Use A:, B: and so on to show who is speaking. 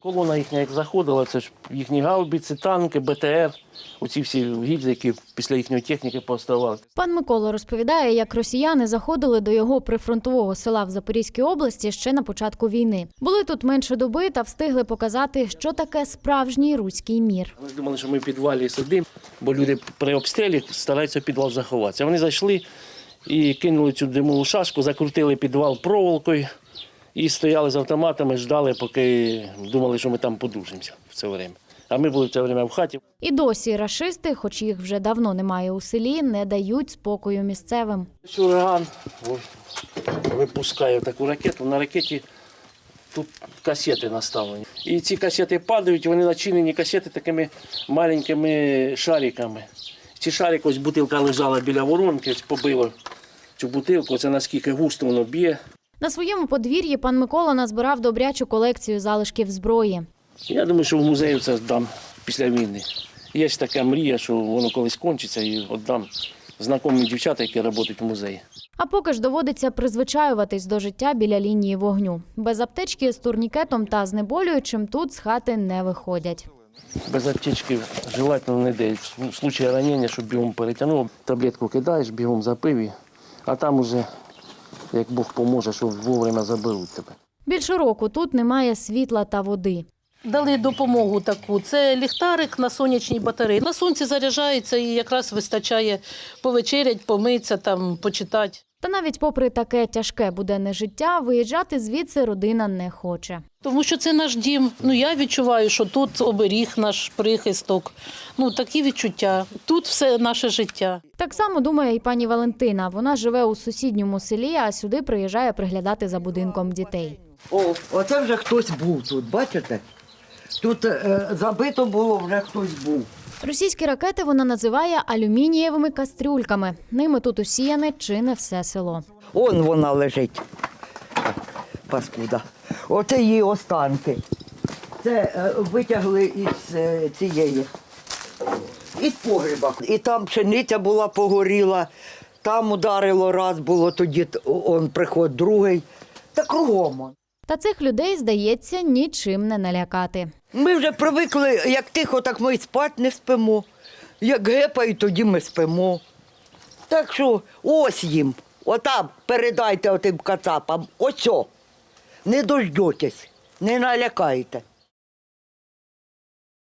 A: Колона їхня як заходила, це ж їхні гаубиці, танки, БТР, оці всі гільзи, які після їхньої техніки поставали.
B: Пан Микола розповідає, як росіяни заходили до його прифронтового села в Запорізькій області ще на початку війни. Були тут менше доби та встигли показати, що таке справжній руський мір.
A: Вони думали, що ми в підвалі сидимо, бо люди при обстрілі стараються в підвал заховатися. Вони зайшли і кинули цю димову шашку, закрутили підвал проволокою і стояли з автоматами, ждали, поки думали, що ми там подушимося в це время. А ми були в це время в хаті.
B: І досі рашисти, хоч їх вже давно немає у селі, не дають спокою місцевим.
A: Ураган випускає таку ракету. На ракеті тут касети наставлені. І ці касети падають, вони начинені касети такими маленькими шариками. Ці шарики, ось бутилка лежала біля воронки, ось побило цю бутилку, це наскільки густо воно б'є.
B: На своєму подвір'ї пан Микола назбирав добрячу колекцію залишків зброї.
A: Я думаю, що в музею це здам після війни. Є ж така мрія, що воно колись кончиться і віддам знайомим дівчатам, які працюють в музеї.
B: А поки ж доводиться призвичаюватись до життя біля лінії вогню. Без аптечки з турнікетом та знеболюючим тут з хати не виходять.
A: Без аптечки желательно не йде. В випадку ранення, щоб бігом перетягнув, таблетку кидаєш, бігом запив, а там уже, як Бог поможе, що вовремя заберуть тебе.
B: Більше року тут немає світла та води.
C: Дали допомогу таку. Це ліхтарик на сонячній батареї. На сонці заряджається і якраз вистачає повечерять, помитися, там, почитати.
B: Та навіть попри таке тяжке буденне життя, виїжджати звідси родина не хоче.
C: Тому що це наш дім. Я відчуваю, що тут оберіг наш прихисток. Такі відчуття. Тут все наше життя.
B: Так само думає і пані Валентина. Вона живе у сусідньому селі, а сюди приїжджає приглядати за будинком дітей.
D: Оце вже хтось був тут, бачите? Тут забито було, вже хтось був.
B: Російські ракети вона називає алюмінієвими кастрюльками. Ними тут усіяне чи не все село.
D: Он вона лежить, паскуда. Оце її останки. Це витягли із погреба. І там пшениця була погоріла, там ударило раз було, тоді он приход другий. Та кругом.
B: Та цих людей, здається, нічим не налякати.
D: Ми вже привикли, як тихо, так ми й спати не спимо. Як гепають, тоді ми спимо. Так що ось їм, отам передайте отим кацапам, ось, не дождетесь, не налякайте.